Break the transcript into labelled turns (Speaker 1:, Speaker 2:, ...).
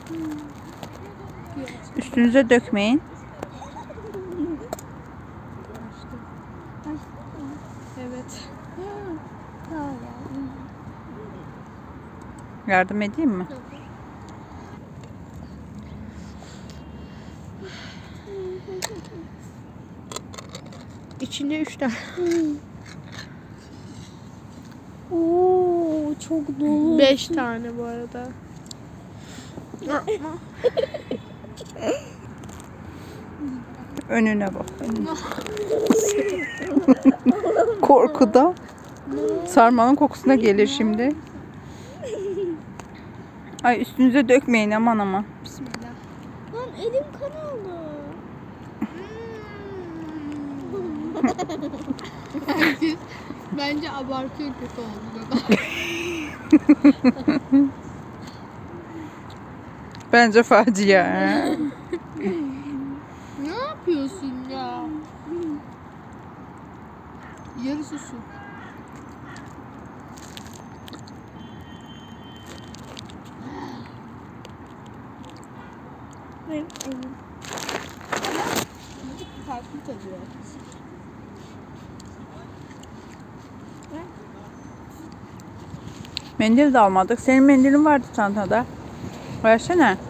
Speaker 1: Üstünüze dökmeyin.
Speaker 2: Evet.
Speaker 1: Yardım edeyim mi?
Speaker 2: İçinde 3 tane.
Speaker 3: Oo, çok dolu.
Speaker 2: 5 tane bu arada.
Speaker 1: Önüne bak. Önüne. Korkuda. Sarmanın kokusuna gelir şimdi. Ay üstünüze dökmeyin aman aman.
Speaker 2: Bismillah.
Speaker 3: Lan elim kan oldu.
Speaker 2: Bence abartıyor kötü oldu.
Speaker 1: Bence facia.
Speaker 2: Ne yapıyorsun ya? Yarısı su.
Speaker 3: Benim elim.
Speaker 2: Farklı tadıyor.
Speaker 1: Mendil de almadık. Senin mendilin vardı çantada. Versene.